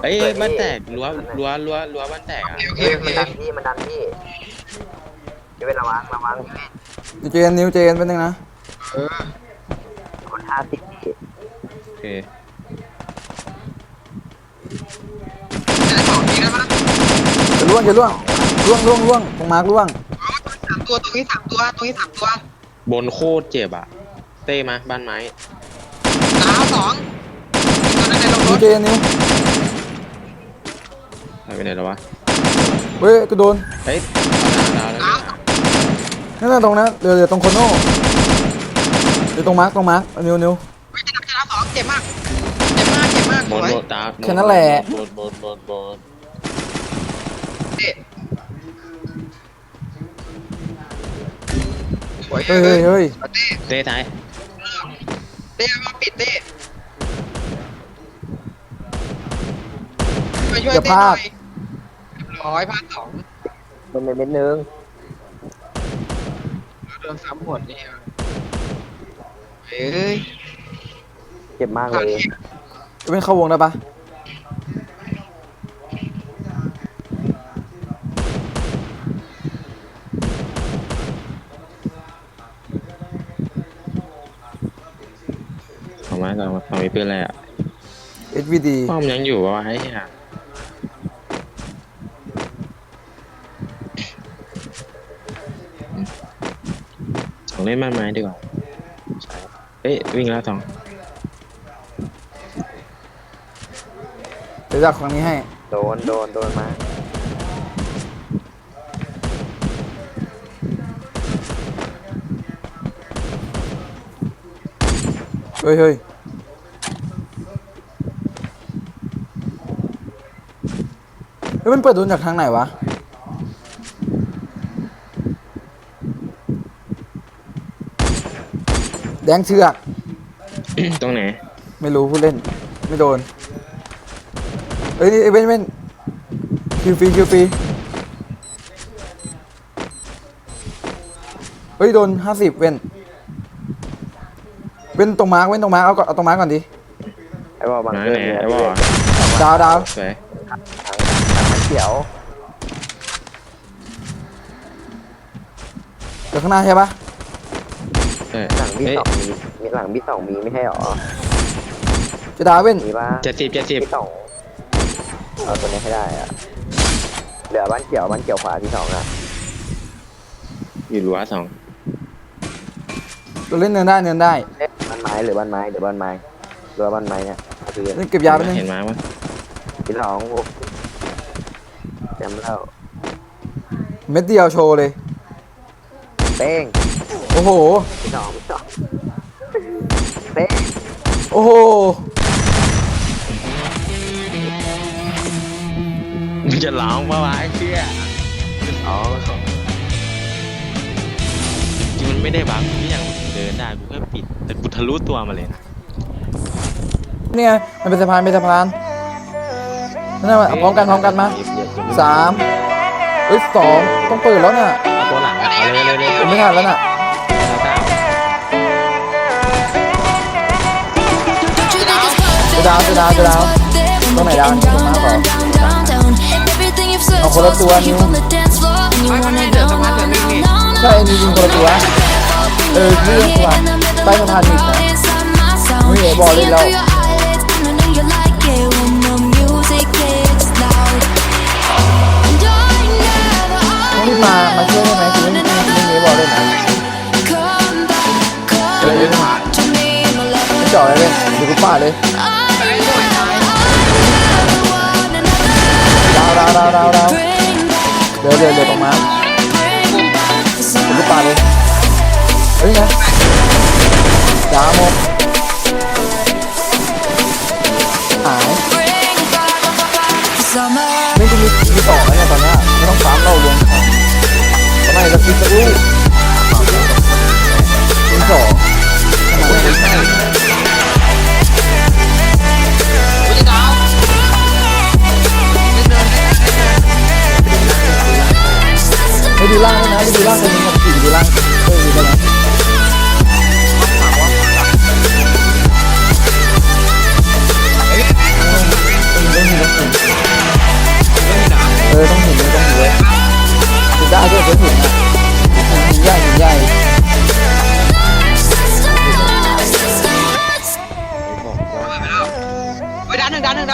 เอ้ยบ้านแตกรั้วบ้านแตกอ่ะมันดันพี่จะเป็นระวังเจนนิวเจนเป็นยังนะคน50พี่โอเคจะล่วงตรงมาร์กล่วงตรงนี้3 ตัวบนโคตรเจ็บอ่ะเต้มาบ้านไม้ดาว2ตัวนั้นในรถนิวเจนนิวหายไปไหนแล้ววะเฮ้ยกูโดนเฮ้ยดาวแล้วนั่นน่ะตรงนั้นเรือตรงโคโน่เรือตรงมาร์กนิวไม่จะดาว2เจ็บมากสบวยนตาแค่นั้นแหละบนสวยเฮ้ยเต้ท้ายเต้มาปิดเต้มาช่วยเต้หน่อยพลาด2 เป็นเม็ดนึงโดน3 หมดนี่เฮ้ยเจ็บมากเลยจะเป็นเข้าวงได้ปะของไม้ก่อนของมีปืนอะไรอ่ะ HVD ป้อมยังอยู่วะไอ้เหี้ยสองเล่นบ้านไม้ดีกว่าเฮ้ยวิ่งแล้วสองเดี๋ยวจักของนี้ให้โดนมาเฮ้ยมันเปิดโดนจากทางไหนวะแดงเชือกตรงไหนไม่รู้ผู้เล่นไม่โดนเอ้ยนี่เว้นคิวฟรีเฮ้ยโดน50เว้นตรงมาร์กเอาตรงมาร์กก่อนดิไอ้บอลบังไหนเกอร์ไอ้บอลดาวสวยถังเขียวเดี๋ยวข้างหน้าใช่ปะหลังB2มีหลังB2มีไม่ใช่หรอจะดาวเว้นมีป่ะ 70 B2เอาตัวนี้ให้ได้อะเหลือบ้านเขียวขวาB2อ่ะอยู่รั้วสองตัวเล่นเนินได้บ้านไม้หรือบ้านไม้เรือบ้านไม้เนี่ยคือเล่นเก็บยาไปนึงเห็นไหมวะ B2จำแล้วเม็ดเดียวโชว์เลยเป้งโอ้โห B2เป้งโอ้โหมึงจะร้องปะวะไอ้เชี่ยอ๋อจริงมันไม่ได้บังกูยังเดินได้กูแค่ปิดแต่กูทะลุตัวมาเลยนะเนี่ยมันเป็นสะพานนั่นน่ะพร้อมกันมา3เอ้ย2ต้องเปิดแล้วน่ะเอาตัวหลังอะเอาเลยผมไม่ทันแล้วน่ะจะดาวตรงไหนดาวนี่ตรงมาก่อนเอาคนละตัวนิ้วไม่เดือดสะพานเดือดวิ่งนี่ใช่นิ้วยิงคนละตัวนี่ยังตัวใต้สะพานอีกนะไม่เอ๋บอกเลยแล้วต้องรีบมาช่วยได้ไหมคือไม่เอ๋บอกเลยนะไม่จ่อเลยดูกูป้าเลยดาวเดี๋ยวตรงมาดูกูป้าเลยเฮ้ยนะดาวหมดหายไม่กูมีต่อแล้วเนี่ยตอนนี้ไม่ต้องซ้ำเราลงทำไมเราคิดจะรู้ที2ไม่ดูล่างนะไม่ดูล่างคนนึงกับขี่ดูล่างดูกันนะต้องมีรถ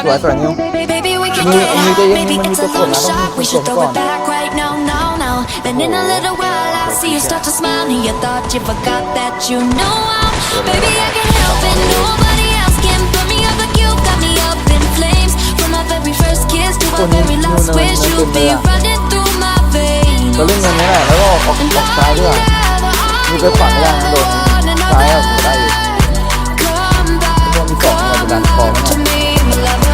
วยสวยนิว Baby, we can Như- get như hot. cái- Maybe như it's cái a cuộn long nó shot. không- We should không throw còn. it back right now, now, now. Then in a little while, I'll see you start to smile. And you thought you forgot that you know I'm. Baby, I can't help it. Nobody else can put me up like you got me up in flames. From our very first kiss to our very last wish, you'll be running through my veins. เราเล่นเงินนี้แหละแล้วก็ออกซ้ายด้วยมีไปขวาไม่ได้นะโดนซ้ายเอาได้อยู่ Come back, Con đi cỏ mà come đàn back cỏ to nó. me, my lover.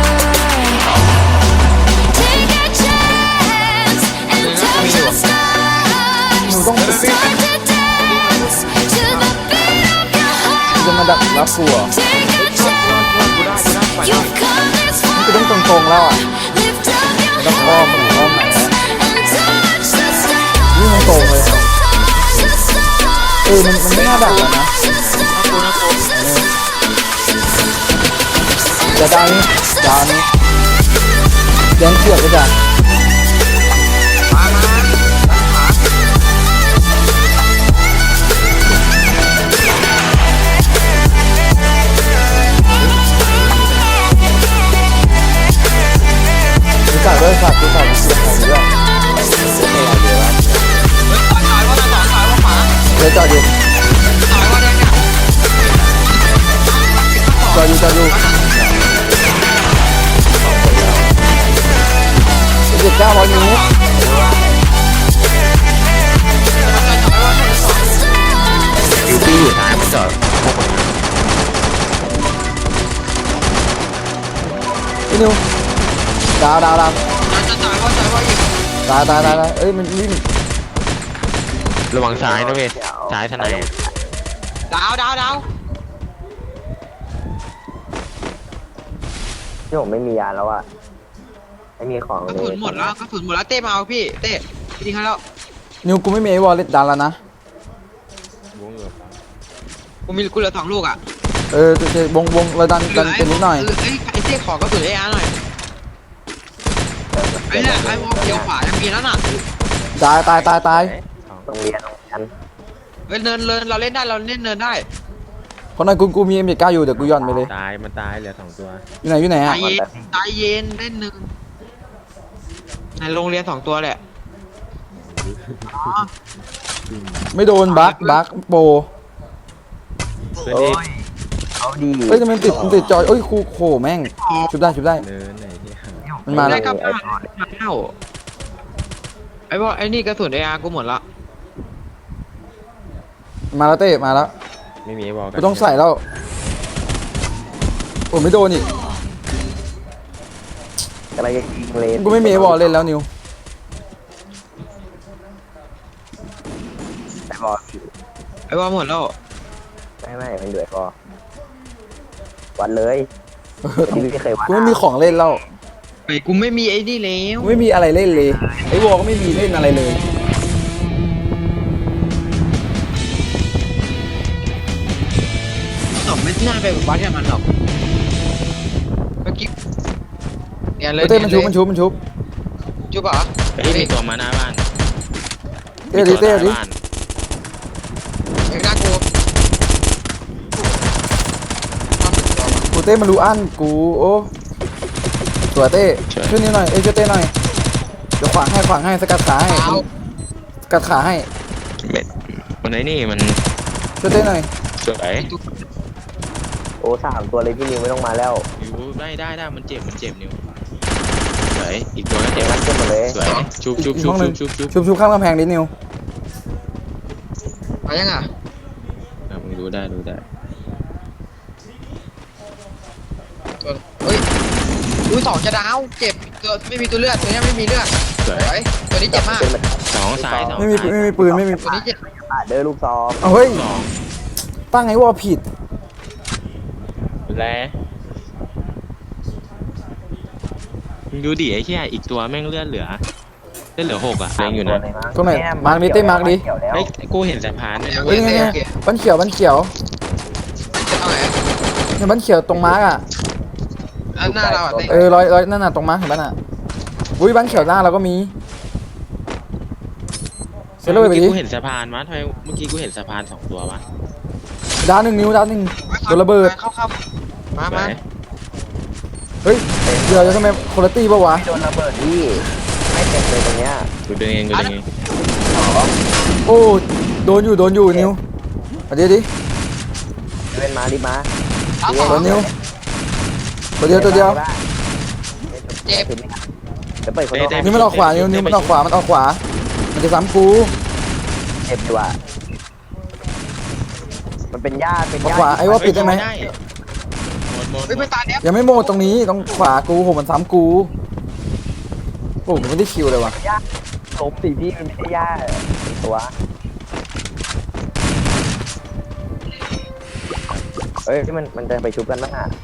Take a chance and touch the stars. หนูต้อง Start to dance to the beat of your จะ heart. มาดักรับกูเหรอ Take a chance. You've come this กู far. ต้องตรงๆแล้วอ่ะ Lift up your ต้องอ้อมมันอ้อมไหนนะ and touch the stars. นี่มันตรงเลย Touch the stars. มันไม่น่าดักแล้วนะ จะดาวนี้ดาวนี้แดงเขียวก็จะดูสายด้วยสัตว์ดูสายดูสายด้วยเดี๋ยวจอดอยู่จอดอยู่จอดอยู่900 เมตรอยู่ที่อยู่ท้ายมันจอดพี่นิวดาวตายเอ้ยมันวิ่งระวังซ้ายนะเว้ยซ้ายทนายดาวที่ผมไม่มียาแล้วอะไม่มีของกระเลสุยนหมดแล้วเต้มาเอาพี่เต้ทิ้งให้แล้วนิวกูไม่มีไอ้วอลเล็ตดันแล้วนะกูเหลือ2 ลูกอ่ะจะวงเราดันเป็นนิดหน่อยไอ้เต้ขอกระสุนARหน่อยไอ้เนี่ยไอ้วอลเขียวขวายังมีแล้วน่ะตายโรงเรียนกันเฮ้ยเนินเราเล่นได้เราเล่นเนินได้เพราะนายกูมีM9อยู่เดี๋ยวกูย่อนไปเลยมันตายเหลือ2 ตัวอยู่ไหนใจอ่ะเย็นเล่นหนึ่งในโรงเรียน2 ตัวแหละไม่โดนบักโปเพื่อนโอ้เอกยเอาดีเอ้ยมันติดจอยเอ้ยครูโหแม่งชุบได้เนินไหนที่มันมาแล้วได้กลับบ้านแล้วไอ้วอลไอ้นี่กระสุนARกูหมดละมาแล้วเต้มาแล้วไม่มีไอ้บอลกูต้องใส่แล้วโอ้ไม่โดนอีกอะไรจะยิงเลนกูไม่มีไอ้วอลเล่นแล้วนิวแต่บอลไอ้วอลหมดแล้วไม่มันอยู่ไอ้บอลวัดเลยที่ไม่เคยวัดกูไม่มีของเล่นแล้วไอ้กูไม่มีไอ้นี่แล้วกูไม่มีอะไรเล่นเลยไอ้วอลก็ไม่มีเล่นอะไรเลยไม่น่าไปวัดกับมันหรอกเมื่อกี้เนี่ยเลยเต้มันชุบจุบเหรอเฮ้ยมีตัวมาหน้าบ้านเต้ดิมีตัวหน้าบ้านยังน่ากลัวกูเต้มันรู้อั้นกูโอ้สวยเต้ช่วยนิวหน่อยช่วยเต้หน่อยเดี๋ยวขวางให้สกัดขาให้สกัดขาให้มันไหนนี่มันช่วยเต้หน่อยสวยโอ้3 ตัวเลยพี่นิวไม่ต้องมาแล้วอยู่ได้มันเจ็บนิ้วสวยอีกตัวก็เจ็บมันขึ้นมาเลยสวยชุบอีกห้องหนึ่งชุบข้ามกำแพงดินิวมายังอ่ะมึงดูได้เฮ้ยดู2จะดาวเจ็บตัวไม่มีตัวเลือดตัวนี้ไม่มีเลือดสวยเฮ้ยตัวนี้เจ็บมากขึ้นมา 2 ซ้ายไม่มีปืนไม่มีตัวนี้เจ็บเดินลูกซองเอาเฮ้ย 2 ตั้งไอ้วอลผิดแล้วมึงดูดิไอ้เหี้ยอีกตัวแม่งเลือดเหลือ6อ่ะแรงอยู่นะตรงไหนมาร์กดิเต้มาร์กดิเฮ้ยกูเห็นสะพานด้วยนะเฮ้ยไงบ้านเขียวจะเอาไหนเนี่ยบ้านเขียวตรงมาร์กอ่ะหน้าเราอ่ะเต้รอยนั่นน่ะตรงมาร์กเห็นป่ะน่ะอุ้ยบ้านเขียวหน้าเราก็มีเซลล์ไปดิกูเห็นสะพานวะทำไมเมื่อกี้กูเห็นสะพาน2 ตัววะดาว1 นิ้วโดนระเบิดเข้ามาสวยเฮ้ยเดี๋ยวจะทำไมคุณภาพปะวะโดนระเบิดพี่ไม่เต็มเลยตรงเนี้ยกูดึงเองกูดึงเองโอ้โดนอยู่นิวเอาเดี๋ยวดิเป็นมาดิมาเอาสองโดนนิวตัวเดียวเจ็บเดี๋ยวเปิดคนโดนนี่มันออกขวานิวมันออกขวามันจะซ้ำกูเจ็บอยู่อ่ะมันเป็นญาติเป็นออกญาติขวาไอ้ว่าปิดได้ไหมหมดเฮ้ยไปตายแล้วยังไม่โมดตรงนี้ต้องขวากูโหมันซ้ำกูโอ้มันไม่ได้คิวเลยวะญาติลบสิพี่มันไม่ใช่ญาติเป็นตัวเฮ้ยที่มันจะไปชุบกันบ้างอ่ะ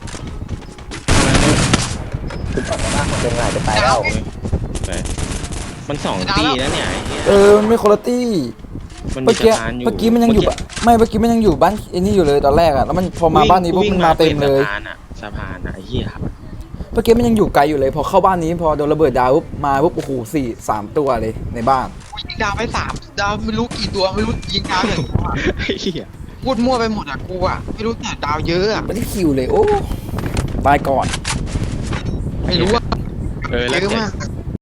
ชุบกันบ้างมันเป็นไงจะตายแล้วมันสองตีแล้วเนี่ยไอ้เหี้ยมันไม่คุณภาพมันเมื่มีอกี้สะพานอยู่เมื่อกี้มันยังอยู่ปะไม่เมื่อกี้มันยังอยู่บ้านไอ้นี่อยู่เลยตอนแรกอะแล้วมันพอมาบ้านนี้ปุ๊บมันมาเต็มเลยสะพานอะไอ้เหี้ยเมื่อกี้มันยังอยู่ไกลอยู่เลยพอเข้าบ้านนี้พอโดนระเบิดดาวปุ๊บมาปุ๊บโอ้โห3 ตัวเลยในบ้านยิงดาวไป3 ดาวไม่รู้กี่ตัวไม่รู้ยิงดาวอย่างไอ้เหี้ยพูดมั่วไปหมดอ่ะกูอ่ะไม่รู้แต่ดาวเยอะอ่ะไม่ได้คิวเลยโอ้ตายก่อนไม่รู้อ่ะเออแล้วเยอะมาก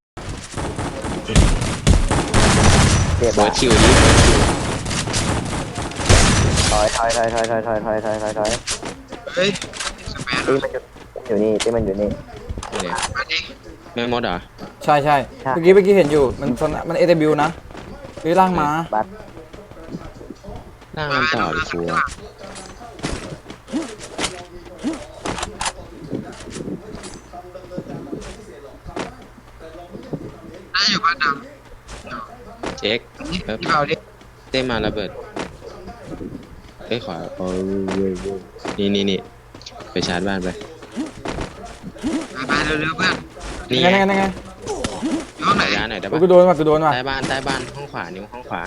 เจ็บเบิอ่ะร์ดคิวดิเบิร์ดคิวถอยเฮ้ยสแปนตีมันอยู่นี่ตีมันอยู่นี่เนี่ยมาดิไม่หมดเหรอใช่เมื่อกี้เห็นอยู่มันเอเดบิวนะเฮ้ยล่างมาบัตล่างมันต่อหรือฟัวน่าอยู่บ้านดเช็คำนี่แป๊บพี่เบาดิเต้มาระเบิดเอ้ยขวานี่ไปชาร์จบ้านไปไปเร็วๆเพื่อนนี่ไงไงอยู่ห้องไหนยาหน่อยได้กูปะโดนว่ะใต้บ้านห้องขวานิ้วห้องขวา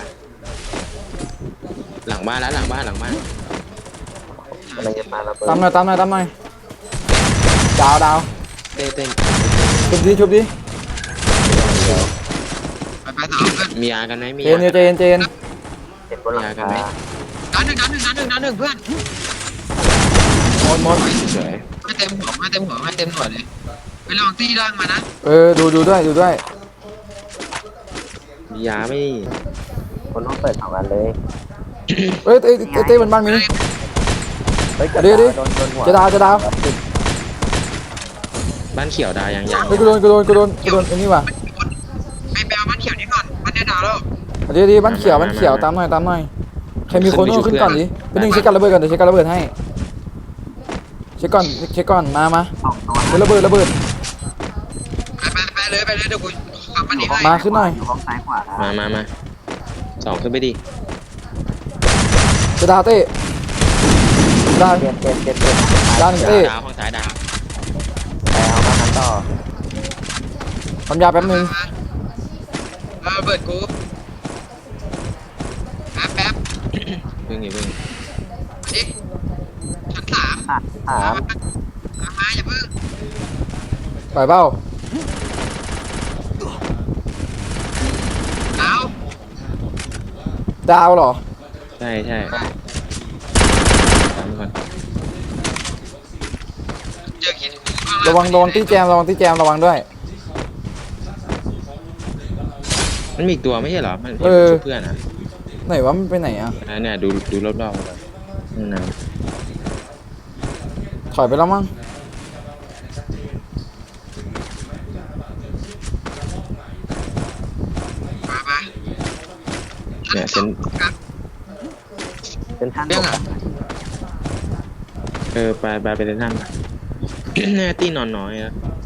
หลังบ้านแล้วหลังบ้านมันจะมาระเบิดตามหน่อยดาวเต้นชุบดิไปต่อเพื่อนมียากันไหมมีเจยานเจนเจ็บบนหลังคานัดหนึ่งเพื่อนหมดเฉยให้เต็มหัวให้เต็มหน่วยเลยไปลองตีร่างมานะดูด้วยมียาไม่คนต้องเปิด2 อันเลยเอ้ยเต้มันบ้านนี้เฮ้ยเดี๋ยวโดนหัวจะดาวบ้านเขียวดายังเฮ้ยกูโดนไอ้นี่ว่ะไปแปลบ้านเขียวนี่ก่อนบ้านดาวแล้วเดี๋ยวบ้านเขียวตามหน่อยใครมีคนขึ้นก่อนดิเป็นหนึ่งเช็คกันระเบิดก่อนเดี๋ยวเช็คกันระเบิดให้เช็คก่อนมาระเบิดไปเลยเดี๋ยวกูขับมันนี้ให้มาขึ้นหน่อยอยู่ห้องซ้ายขวามาสองขึ้นไปดิจะดาวเต้ดาวเจ็บดาวหนึ่งเต้ดาวห้องซ้ายดาวไปเอามาทำต่อทำยาแป๊บนึงเบิดกูแป๊บเพิ่งดิชั้น 3 ถามมาอย่าเพิ่งปล่อยเบ้าดาวดาวเหรอใช่ตามก่อนเจอคิดระวังที่แจมระวังด้วยมันมีอีกตัวไม่ใช่เหรอมันเพื่อนอ่ะไหนวะมันไปไหนอ่ะเนี่ยดูรอบๆก่อนนะถอยไปแล้วมั้งมาเนี่ยเซนเป็นท่านเรื่องอ่ะไปเล่นท่านเนี่ยตีนอนน้อยนะ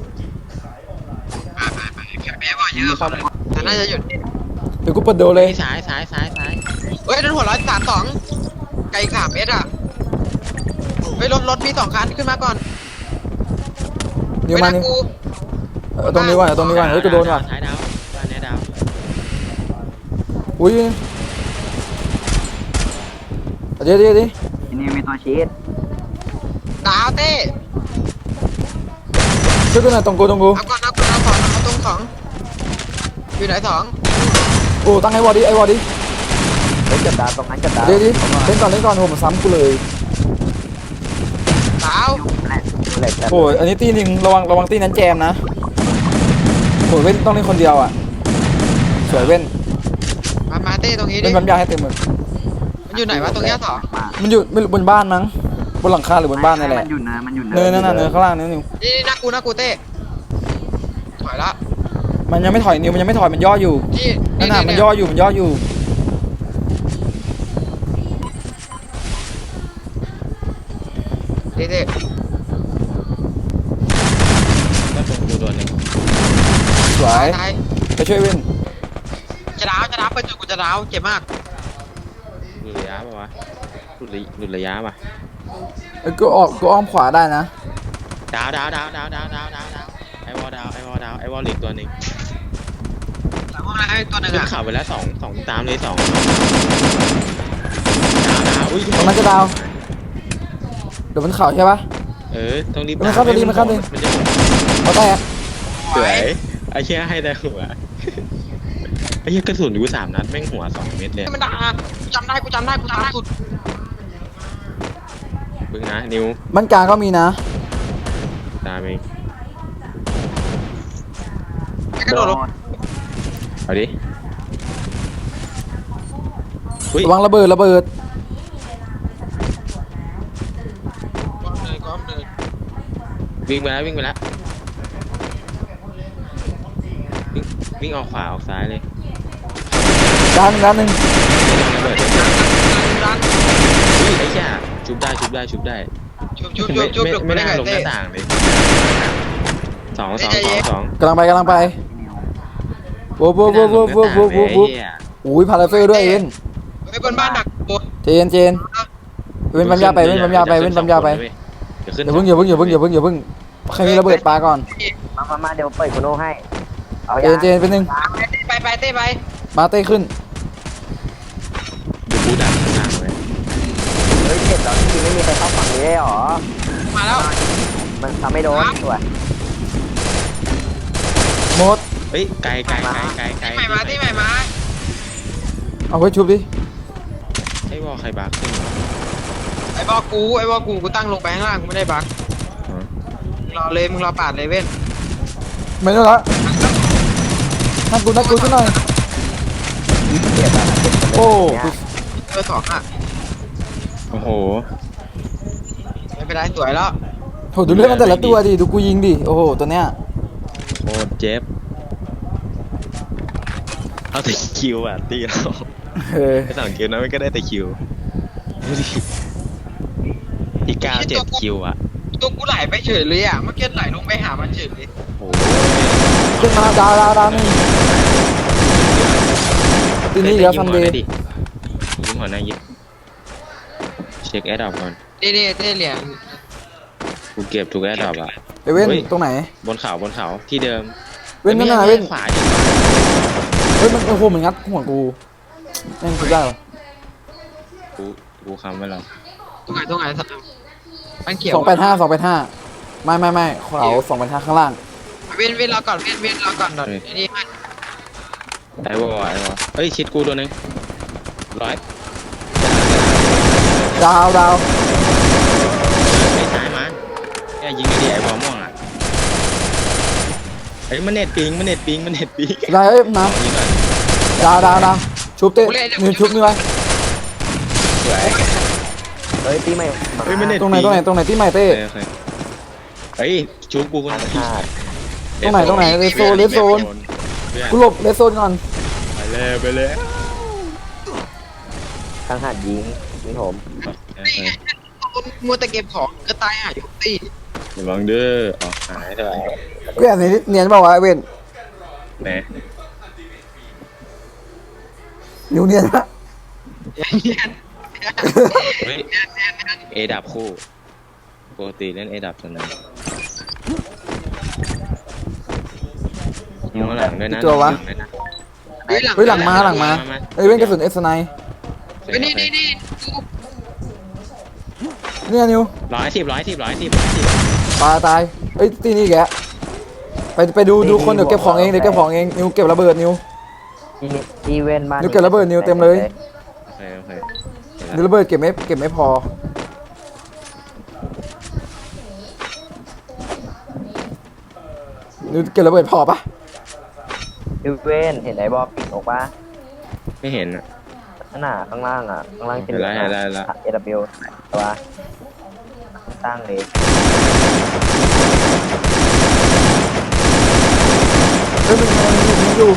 ไปแคปเปี้ยบ่อยเยอะแต่น่าจะหยุดเดี๋ยวกูเปิดโดเลยซ้ายเฮ้ยโดนหัว132ไกล3 เมตรอ่ะเฮ้ยรถมี2 คันขึ้นมาก่อนเดี๋ยวมานี่กูตรงนี้ว่ะเฮ้ยกูโดนว่ะท้ายดาวบ้านนี้ดาวอุ้ยเดี๋ยวนี่มีตัวชีสดาวเต้ช่วยกูหน่อยตรงกูเอาก่อนเอาตรง2อยู่ไหน2 โอ้ตั้งไอ้วอร์ดิเฮ้ยจับดาวตรงนั้นจับดาวเดี๋ยวเล่นก่อนโหมันซ้ำกูเลยดาวแหละแหลกจัดโอ้ยอันนี้ตีหนึ่งระวังตีนั้นแจมนะโอ้ยเว้นต้องเล่นคนเดียวอ่ะสวยเว้นมาเต้ตรงนี้ดิเล่นปั๊มยาให้เต็มมือมันอยู่ไหนวะตรงเนี้ยต่อมันอยู่ไม่รู้บนบ้านมั้งบนหลังคาหรือบนบ้านนี่แหละมันอยู่เนินเนินนั่นน่ะเนินข้างล่างนิวนี่หน้ากูเต้ถอยละมันยังไม่ถอยนิวมันยังไม่ถอยมันย่ออยู่นี่นั่นน่ะมันย่ออยู่มันย่ออยู่เต้ก็ตรงกูโดนหนึ่งสวยตายไปช่วยเว้นจะดาวไปจุดกูจะดาวเจ็บมากหลุดระยะป่ะวะหลุดระยะป่ะเอ้ยกูอ้อมขวาได้นะดาวไอวอลดาวไอวอลเหลือตัวหนึ่งหลังห้องน้ำตัวหนึ่งขึ้นอ่ะเข่าไปแล้วสองตามเลย2ดาวอุ้ยตรงนั้นจะดาวเดี๋ยวมันเข่าใช่ปะต้องรีบมันเข้าไปดิมันเข้าไปดิมันจะหมดเขาแตกสวยไอ้เชี่ยให้แต่หัวไอ้เชี่ยกระสุนอยู่3 นัดแม่งหัว2 เม็ดเลยมันด่ากูจำได้กูตามสุดพึ่งนะนิวบ้านกลางก็มีนะตามเองกระโดดลงเอาดิอุ้ยระวังระเบิดก้อมเลยวิ่งไปแล้ววิ่งออกขวาออกซ้ายเลยด้านหนึ่งระเบิดดันอุ้ยไอ้เชี่ยชุบได้ชุบไม่ได้น่าไงลงหเต้น้าต่างเลยสองกำลังไปโว้โว้อุ้ยพาราเฟลด้วยเอ็นไปบนบ้านดักบนเจนเว้นปั๊มยาไปเว้นปั๊มยาไปอย่าเพิ่งใครมีระเบิดปาก่อนมาเดี๋ยวเปิดโคโน่ให้เอาเจนเป็นหนึ่งไปเต้ไปมาเต้ขึ้นเดี๋ยวกูดักข้างหลังเลยเฮ้ยเจ็บแล้วจริงไม่มีใครเข้าฝั่งนี้ได้หรอมาแล้วมันทำไม่โดนสวยหมดเฮ้ยไกลที่ใหม่มาเอาไว้ชุบดิไอ้วอลใครบักขึ้นไอ้บอกกูตั้งลงไปข้างล่างกูไม่ได้บักมึงรอปาดเลยเว้นไม่ต้องละนักกูช่วยหน่อยเจ็บแล้วโอ้เบอร์2อ่ะโอ้โหไม่เป็นไรสวยแล้วโหดูเลือดมันแต่ละตัวดิดูกูยิงดิโอ้โหตัวเนี้ยโคตรเจ็บเอาแต่คิวอ่ะตีเรา ไอ้2 คิวนะไม่ก็ได้แต่คิวดูดิที่9 7 คิวอ่ะตัวกูไหลไปเฉยเลยอ่ะเมื่อกี้ไหลลงไปหามันเฉยเลยโอ้ขึ้นมาดาวหนึ่งทีนี้เดี๋ยวซันเดย์ยิ้มหัวหน้ายิ้มเช็คแอดดอปก่อนเต้เหรียญกูเก็บทุกแอดดอปอ่ะไปเว้นตรงไหนบนเขาที่เดิมเว้นนั่นน่ะเว้นขวาดิเฮ้ยมันโอ้โหมันงัดหัวกูแม่งสุดยอดกูคำไว้แล้วตรงไหนมันเขียว 285ไม่เขา285ข้างล่างเว้นเราก่อนเว้นเราก่อนหน่อยนี่มันไอ้วอเฮ้ยชิดกูตัวนึง100 ดาวไอ้ซ้ายมาเนี่ยยิงไอ้ดิไอ้บอลม่วงอ่ะไอ้มันเน็ตปิงได้เอ้ยมายิงก่อนดาวชุบเต้นี่ชุบนี่ไว้สวยเฮ้ยตีใหม่เฮ้ยมันเน็ตตรงไหนที่ใหม่เต้โอเคเฮ้ยชูกูคนพลาดตรงไหนเลสโซนกูหลบเลสโซนก่อนไปเลยทางหาดยิงผมมัวแต่เก็บของก็ตายอ่ะอยู่ตีระวังเด้อออกหายเถอะกูอยากเนียนเปล่าวะเว้นแหมนิวเนียนปะเฮ้ยเอดับคู่ปกติเล่นเอดับตอนนั้นมองหลังด้วยนะเฮ้ยหลังมาเฮ้ยเว้นกระสุนเอสไนนี่เนี่ยนิว 110 ตายเฮ้ยตีนี่แกไปดูคนเดี๋ยวเก็บของเองนิวเก็บระเบิดนิวอีเวนต์มานิวเก็บระเบิดนิวเต็มเลยโอเคนิวระเบิดเก็บไม่พอดูเก็บระเบิดพอปะยูเวนเห็นไอ้บอลปิดออกปะไม่เห็นอ่ะข้างหน้าข้างล่างอ่ะข้างล่างจะเห็นแล้วเห็นแล้วเห็นแล้วเอวตัวตั้งเลยเฮ้ยมันอยู่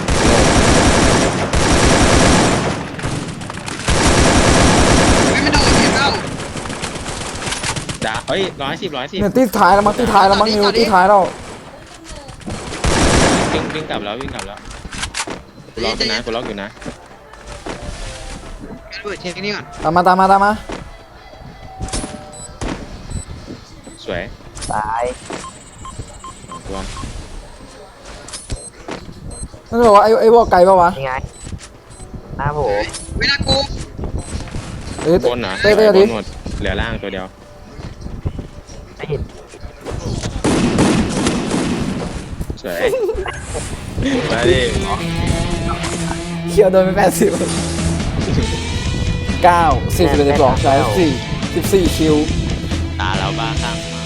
ไม่โดนเห็นเปล่าดาเอ้ย110 เนี่ยตีท้ายแล้วมั้งตีท้ายแล้วมั้งนิวตีท้ายแล้ววิ่งกลับแล้ววิ่งกลับแล้วกูล็อกอยู่นะกูล็อกอยู่นะเปิดเช็คนี่ก่อนตามมาสวยตายรวมนั่นบอกว่าไอ้วอลไกลปะวะยังไงหน้าผมไม่น่ากูเอ้ยบนนะเต้บดินหมดเหลือล่างตัวเดียวไม่เห็นสวยมาดิเคียวโดนไป80 9 41 12ใช้14คิวตาเราบ้าข้าง